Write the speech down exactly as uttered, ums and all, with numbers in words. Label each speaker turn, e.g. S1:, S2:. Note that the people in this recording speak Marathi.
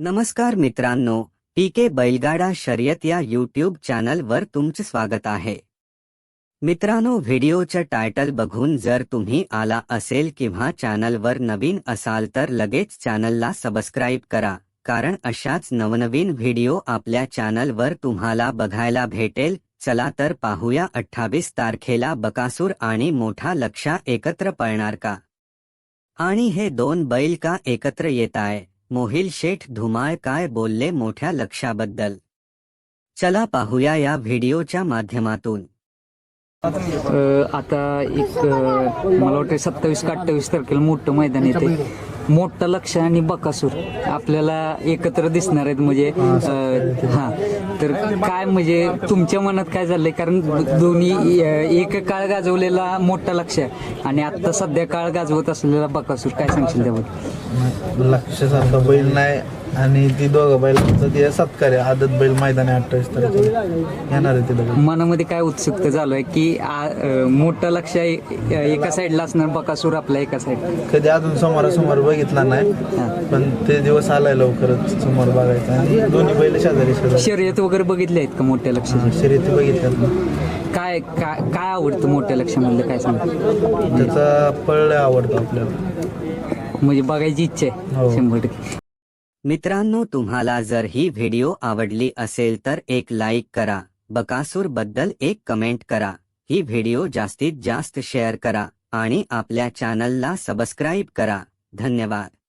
S1: नमस्कार मित्रांनो, पीके बैलगाडा शर्यत या यूट्यूब चॅनलवर तुमचे स्वागत आहे। मित्रांनो, व्हिडिओचं टायटल बघून जर तुम्ही आला असेल किंवा चॅनलवर नवीन असाल तर लगेच चॅनलला सबस्क्राइब करा, कारण अशाच नवनवीन व्हिडिओ आपल्या चॅनलवर तुम्हाला बघायला भेटेल। चला तर पाहूया अठ्ठावीस तारखेला बकासूर आणि मोठा लक्ष्या एकत्र पळणार का? आणि हे दोन बैल का एकत्र येताय? मोहिल शेठ धुमाळ काय बोलले मोठ्या लक्ष्याबद्दल? चला पाहूया या व्हिडिओच्या माध्यमातून।
S2: आता एक मला वाटतं सत्तावीस का अठ्ठावीस तारखेला मोठं मैदान येते। मोठं लक्ष्य आणि बकासूर आपल्याला एकत्र दिसणार आहेत। म्हणजे हा तर काय म्हणजे तुमच्या मनात काय झालंय? कारण दोन्ही एक काळ गाजवलेला मोठा लक्ष्य आणि आता सध्या काळ गाजवत असलेला बकासूर, काय सांगशील त्याबद्दल?
S3: लक्ष्य सारखा बैल नाही आणि ती दोघं बैलांचं ते सत्कार आहे। आदत बैल मैदान आहे अठ्ठावीस तारखेला येणार आहे तिथं।
S2: मनामध्ये काय उत्सुकता चालू आहे की मोठं लक्ष्य एका साईडला असणार, बकासूर आपल्या एका साईड?
S3: कधी अजून समोरासमोर बघितला नाही, पण ते दिवस आलाय लवकरच समोर बघायचा। आणि दोन्ही बैल शेजारी शेजारी
S2: शर्यत वगैरे बघितले आहेत का मोठ्या लक्ष्याची?
S3: शर्यती बघितल्यात।
S2: काय काय काय आवडतं मोठ्या लक्ष्यामधलं, काय सांग?
S3: त्याचा पळ आवडतो आपल्याला,
S2: म्हणजे बघायची इच्छा आहे शंभर टक्के।
S1: मित्रांनो, तुम्हाला जर ही व्हिडिओ आवडली असेल तर एक लाईक करा, बकासूर बद्दल एक कमेंट करा, ही व्हिडिओ जास्तीत जास्त शेअर करा आणि आपल्या चॅनलला सबस्क्राइब करा। धन्यवाद।